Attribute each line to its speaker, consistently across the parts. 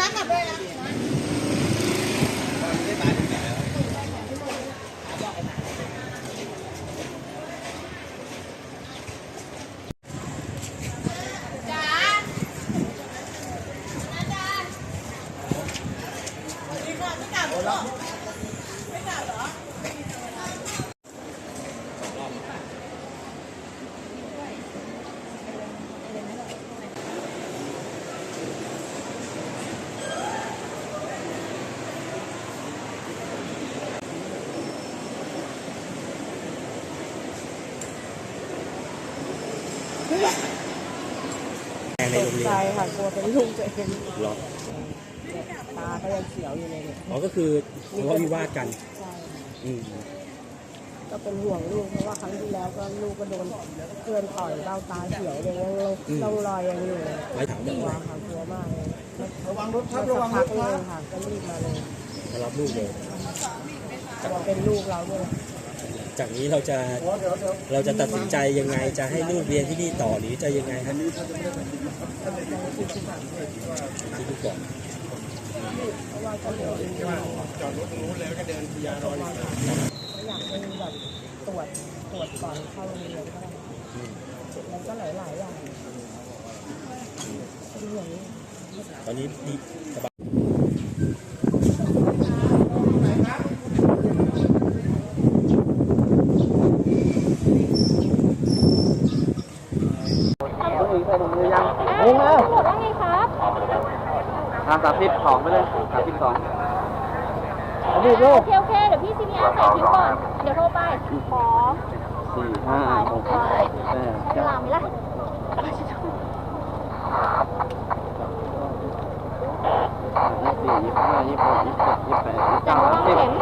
Speaker 1: ในโรงเรียน
Speaker 2: ใจค่ะกลัวเป็นลูกตัวเอง
Speaker 1: หรอ
Speaker 2: ตาก็ยังเขียวอยู่เลยเนี่ย
Speaker 1: อ๋อก็คือทะเลาะวิวาทกัน
Speaker 2: ใช่ก็เป็นห่วงลูกเพราะว่าครั้งที่แล้วก็ลูกก็โดนเพื่อนต่อยเบ้าตาเขียวเลยยังต้องรอยยังอยู่
Speaker 1: ไว้ถามแบบ
Speaker 2: กลัว
Speaker 1: ว่า
Speaker 2: ค่ะกลัวมากเลยระวังรถครับระวังรถเลยค่ะก็รีบมาเลย
Speaker 1: มารับลูกเลย
Speaker 2: กลัวเป็นลูกเราด้วย
Speaker 1: จากนี้เราจะตัดสินใจยังไงจะให้ลูกเรียนที่นี่ต่อหรือจะยังไงครับที่ลูกก่อน
Speaker 2: เพราะว่าก็เดี๋ยวจอดรถตรงนู้นแล้วก็เดินพยารออยากให้แบบตรวจก่อนเข้าโรงเรียนก็ได้แล้วก็หลายอย่างเป็นอย่างนี้
Speaker 1: ตอนนี้ดีสบาย
Speaker 2: โอ้โหว่าไงครับ
Speaker 3: ทาง32ไปเลย32
Speaker 2: โอเคเ
Speaker 4: ดี๋ยวพี่ซีเนียใส่ทิ้งก่อน เดี๋ยวโทรไป ขอ
Speaker 3: 4 5 6
Speaker 4: ใช้เวลาไหมล่ะ
Speaker 3: จังหวะเข็ม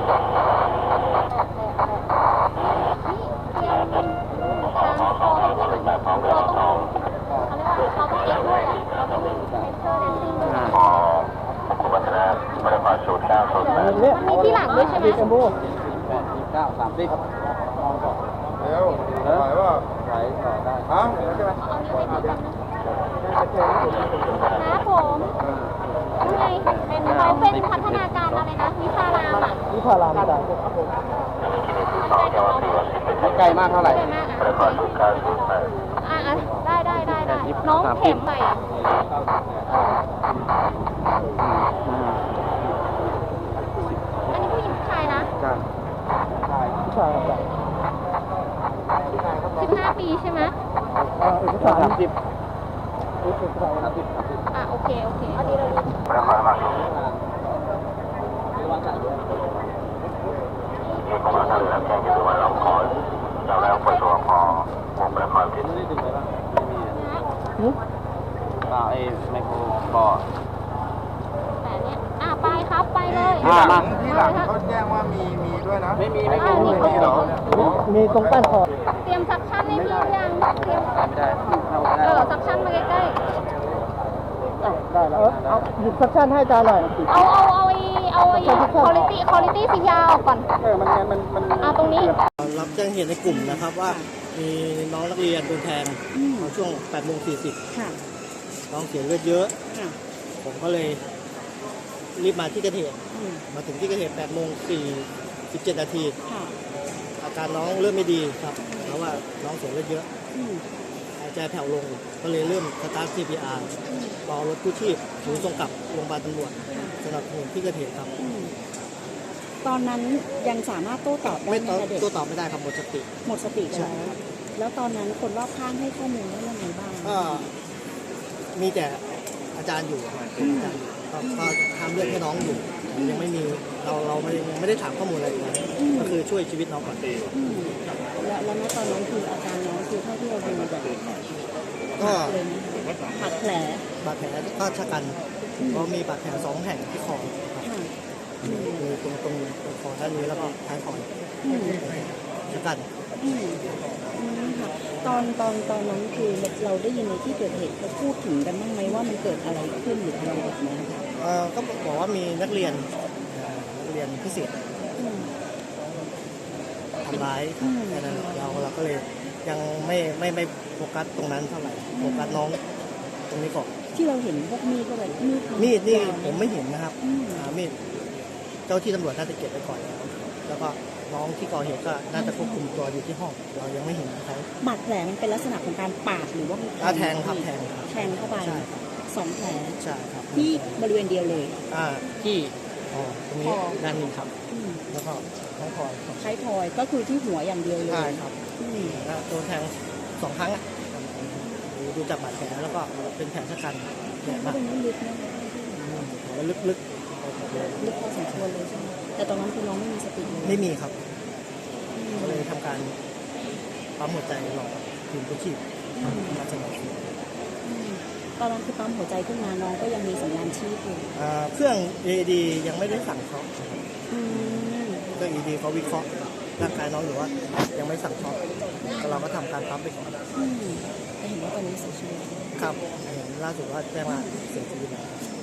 Speaker 4: มันมีที่หลังด้วยใช่ไหม
Speaker 3: 29 30เร็วไหวป่ะไหวต่อได้ฮะใช่ไหม
Speaker 4: นะผมนี่ไงเป็นเขาเป็นพัฒนาการอะไรนะวิชารามอ่ะ
Speaker 2: นี่พารามจ้ะ
Speaker 3: ไกลมากเท่าไหร่
Speaker 4: ได้มากได้น้องเข็มใหม่อันนี้ผู้หญิงผู้ชายนะ
Speaker 3: ใช่
Speaker 2: ผู้ชายครับ
Speaker 4: 15 ปีใช่ไหม
Speaker 2: เอกสาร
Speaker 3: 30
Speaker 4: โอเคอันนี้เรา
Speaker 3: ไอ้ไมโครบอร์ด
Speaker 4: แต่เนี้ยไปครับไปเลย
Speaker 3: มาที่หลังเขาแจ้งว่ามีด้วยนะไม่มีหรอ
Speaker 2: มีตรงใต้คอ
Speaker 4: เตรียมซักชั่นให้พี่ยังเตรียม
Speaker 3: ไม่ได้
Speaker 4: ซักชั่นมาใกล้
Speaker 2: ได้แล้วเอาหยิบซักชั่นให้อาจารย์หน่อย
Speaker 4: เอาควอลิตี้สียาวก่อนมันตรงนี้
Speaker 2: รับแจ้งเหตุในกลุ่มนะครับว่ามีน้องนักเรียนโดนแทงช่วง 8:40
Speaker 5: ค่ะ
Speaker 2: น้องเสียเลือดเยอะผมก็เลยรีบมาที่เกิดเหตุมาถึงที่เกิดเหตุ 8:47 นาทีอาการน้องเริ่มไม่ดีครับเพราะว่าน้องเสียเลือดเยอะหายใจแผ่วลงก็เลยเริ่มสตาร์ท CPR รอรถกู้ชีพถึงส่งกลับโรงพยาบาลตำรวจสำหรับที่เกิดเหตุครับ
Speaker 5: ตอนนั้นยังสามารถโต้ตอบได้ไหมคะเด็ก
Speaker 2: โต้ตอบไม่ได้ครับหมดสติ
Speaker 5: แล้วตอนนั้นคนรอบข้างให้ข้อมูลว่ายังไงบ้าง
Speaker 2: ก็มีแต่อาจารย์อยู่ก็ทำเรื่องให้น้องอยู่ยังไม่มีเราไม่ได้ถามข้อมูลอะไรเลยก็คือช่วยชีวิตน้องก่อน
Speaker 5: แล้วณตอนนั้นคืออาการน้องคือเท่าที่เราดูแบบ
Speaker 2: ก็
Speaker 5: บาดแผล
Speaker 2: ก็ชะกันเพราะมีบาดแผล2 แห่งที่คอมีตรงคอด้านนี้แล้วก็ท้ายคอชะกัน
Speaker 5: ตอนนั้นคือเราได้ยินในที่เกิดเหตุเขาพูดถึงกันบ้างไหมว่ามันเกิดอะไรขึ้นหรืออะไรแบบนี้
Speaker 2: ก็บอกว่ามีนักเรียนพิเศษทำร้ายแค่นั้นเราก็เลยยังไม่โฟกัสตรงนั้นเท่าไหร่โฟกัสน้องตรงนี้ก่อน
Speaker 5: ที่เราเห็นพวกมีดก็แบบมีด
Speaker 2: มีดนี่
Speaker 5: ยาว
Speaker 2: ผมไม่เห็นนะครับ
Speaker 5: อืม
Speaker 2: มีดเจ้าที่ตำรวจน่าจะเก็บไปก่อนแล้วก็น้องที่ก่อเหตุก็น่าจะควบคุมตัวอยู่ที่ห้องเรายังไม่เห็นเขา
Speaker 5: บาดแผลมันเป็นลักษณะของการปาดหรือว่ามี
Speaker 2: แทงครับแทงครับ
Speaker 5: แทงเข้าไป
Speaker 2: ใช่ครับ
Speaker 5: 2 แผล
Speaker 2: ใช่ครับ
Speaker 5: ที่บริเวณเดียวเลย
Speaker 2: ที่ตรงนี้
Speaker 5: คอ
Speaker 2: ด้านหนึ่งครับ
Speaker 5: อืม
Speaker 2: แล้วก็ท้องคอยครับ
Speaker 5: ท้ายทอยก็คือที่หัวอย่างเดียวเลย
Speaker 2: ใช่ครับ
Speaker 5: อืม
Speaker 2: แล้วโดนแทง2 ครั้งอ่ะดูจากบาดแผลแล้วก็เป็นแผลชะกันใหญ่
Speaker 5: ก็
Speaker 2: มาก
Speaker 5: ตรงนี้ลึกนะ
Speaker 2: แล้วลึก
Speaker 5: ลึกพอสมควรเลยใช่ไหมแต่ตอนนั้นคือน้องไม่มีสติเลย
Speaker 2: ๆไม่มีครับ
Speaker 5: อืม
Speaker 2: ก็เลยทำการปั๊มหัวใจรอทีมกู้ชีพมาสมทบ
Speaker 5: อืมตอนนั้นคือปั๊มหัวใจขึ้นมาน้องก็ยังมีสัญญาณชีพอยู่
Speaker 2: เครื่อง AED ยังไม่ได้สั่งช็อค
Speaker 5: อืม
Speaker 2: เครื่อง AED เขาวิเคราะห์ร่างกายน้องอยู่ว่ายังไม่สั่งช็อคเราก็ทำการปั๊มไปก่อน
Speaker 5: อืมแต่เห็นว่าตอนนี้เสียชีวิต
Speaker 2: ครับเห็นล่าสุดว่าแจ้งว่าเสียชีวิตแล้ว
Speaker 5: อ